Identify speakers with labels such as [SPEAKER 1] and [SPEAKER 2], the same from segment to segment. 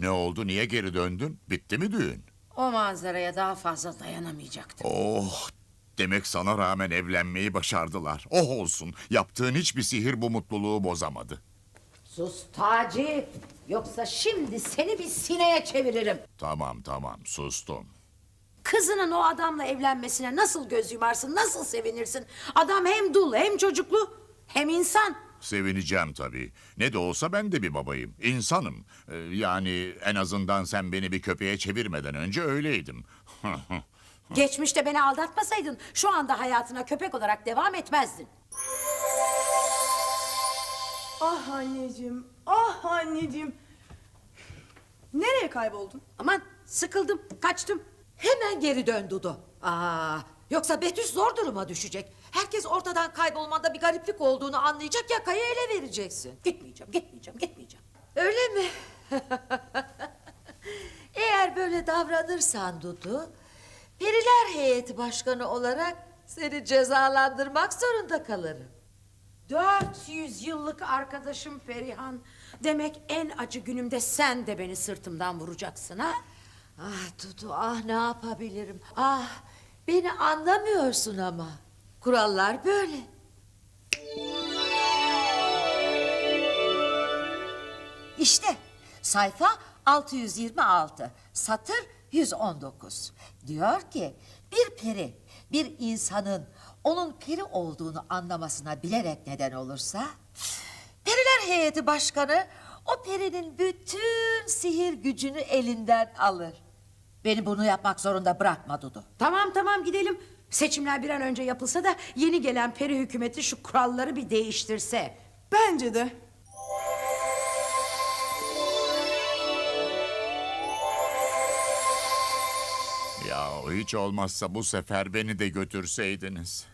[SPEAKER 1] Ne oldu, niye geri döndün? Bitti mi düğün?
[SPEAKER 2] O manzaraya daha fazla dayanamayacaktım.
[SPEAKER 1] Oh, demek sana rağmen evlenmeyi başardılar. Oh olsun, yaptığın hiçbir sihir bu mutluluğu bozamadı.
[SPEAKER 2] Sus Taci, yoksa şimdi seni bir sineye çeviririm.
[SPEAKER 1] Tamam, sustum.
[SPEAKER 2] Kızının o adamla evlenmesine nasıl göz yumarsın, nasıl sevinirsin? Adam hem dul hem çocuklu hem insan.
[SPEAKER 1] Sevineceğim tabii. Ne de olsa ben de bir babayım. İnsanım. Yani en azından sen beni bir köpeğe çevirmeden önce öyleydim.
[SPEAKER 2] Geçmişte beni aldatmasaydın şu anda hayatına köpek olarak devam etmezdin.
[SPEAKER 3] Ah anneciğim, ah anneciğim. Nereye kayboldun?
[SPEAKER 2] Aman sıkıldım, kaçtım. Hemen geri dön Dudu. Yoksa Betüş zor duruma düşecek. Herkes ortadan kaybolmanda bir gariplik olduğunu anlayacak, yakayı ele vereceksin. Gitmeyeceğim.
[SPEAKER 4] Öyle mi? Eğer böyle davranırsan Dudu, Periler Heyeti Başkanı olarak seni cezalandırmak zorunda kalırım.
[SPEAKER 2] 400 yıllık arkadaşım Ferihan. Demek en acı günümde sen de beni sırtımdan vuracaksın ha?
[SPEAKER 4] Ah Dudu, ah ne yapabilirim? Ah, beni anlamıyorsun ama. Kurallar böyle. İşte sayfa 626, satır 119. Diyor ki bir peri bir insanın onun peri olduğunu anlamasına bilerek neden olursa, Periler Heyeti Başkanı o perinin bütün sihir gücünü elinden alır. Beni bunu yapmak zorunda bırakma Dudu.
[SPEAKER 2] Tamam gidelim. Seçimler bir an önce yapılsa da yeni gelen peri hükümeti şu kuralları bir değiştirse.
[SPEAKER 3] Bence de.
[SPEAKER 1] Ya hiç olmazsa bu sefer beni de götürseydiniz.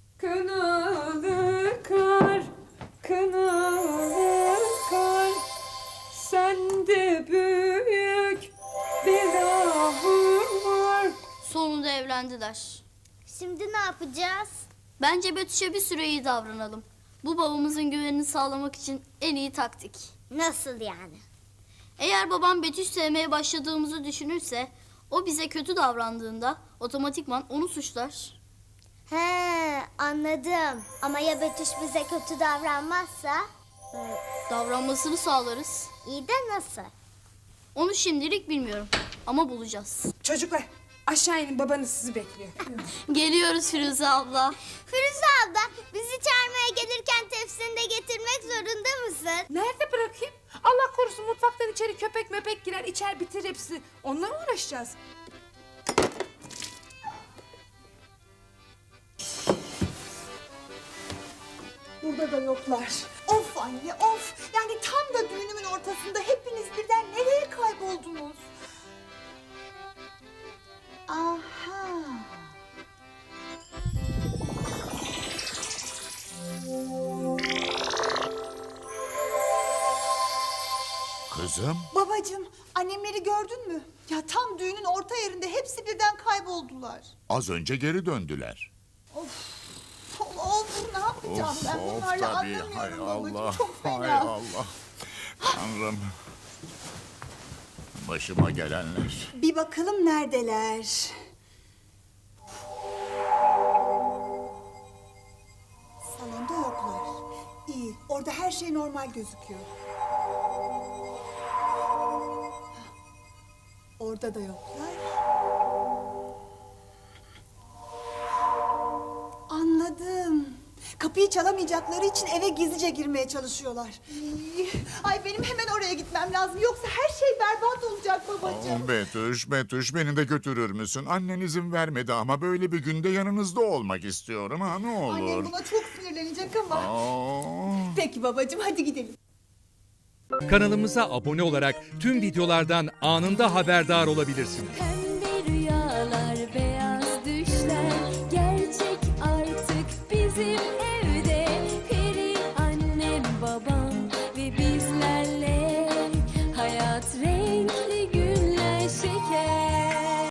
[SPEAKER 3] Kınalı kar, kınalı kar, sende büyük bir ahım var.
[SPEAKER 5] Sonunda evlendiler.
[SPEAKER 6] Şimdi ne yapacağız?
[SPEAKER 5] Bence Betüş'e bir süre iyi davranalım. Bu babamızın güvenini sağlamak için en iyi taktik.
[SPEAKER 6] Nasıl yani?
[SPEAKER 5] Eğer babam Betüş sevmeye başladığımızı düşünürse, o bize kötü davrandığında otomatikman onu suçlar.
[SPEAKER 6] He, anladım. Ama ya Betüş bize kötü davranmazsa?
[SPEAKER 5] Davranmasını sağlarız.
[SPEAKER 6] İyi de nasıl?
[SPEAKER 5] Onu şimdilik bilmiyorum ama bulacağız.
[SPEAKER 3] Çocuklar aşağı inin, babanız sizi bekliyor.
[SPEAKER 5] Geliyoruz Firuze abla.
[SPEAKER 6] Firuze abla, bizi çağırmaya gelirken tepsini de getirmek zorunda mısın?
[SPEAKER 3] Nerede bırakayım? Allah korusun mutfaktan içeri köpek möpek girer, içer bitir hepsini. Onunla mı uğraşacağız? Burada da yoklar.
[SPEAKER 7] Of anne of. Yani tam da düğünümün ortasında hepiniz birden nereye kayboldunuz? Aha.
[SPEAKER 1] Kızım,
[SPEAKER 7] Babacığım, annemleri gördün mü? Ya tam düğünün orta yerinde hepsi birden kayboldular.
[SPEAKER 1] az önce geri döndüler.
[SPEAKER 7] Of, ne yapacağım ben bunlarla
[SPEAKER 1] tabii.
[SPEAKER 7] anlamıyorum
[SPEAKER 1] Hay
[SPEAKER 7] babacığım.
[SPEAKER 1] Allah,
[SPEAKER 7] Çok
[SPEAKER 1] hay
[SPEAKER 7] fena.
[SPEAKER 1] Allah. Tanrım. Başıma gelenler.
[SPEAKER 7] Bir bakalım neredeler? Salonda yoklar. İyi, orada her şey normal gözüküyor. Orada da yoklar. Anladım. Kapıyı çalamayacakları için eve gizlice girmeye çalışıyorlar. Ay benim hemen oraya gitmem lazım. Yoksa her şey berbat olacak babacığım.
[SPEAKER 1] Betüş beni de götürür müsün? Annen izin vermedi ama böyle bir günde yanınızda olmak istiyorum ha, ne olur.
[SPEAKER 7] Annem buna çok sinirlenecek ama.
[SPEAKER 1] Aa.
[SPEAKER 7] Peki babacığım, hadi gidelim.
[SPEAKER 8] Kanalımıza abone olarak tüm videolardan anında haberdar olabilirsiniz.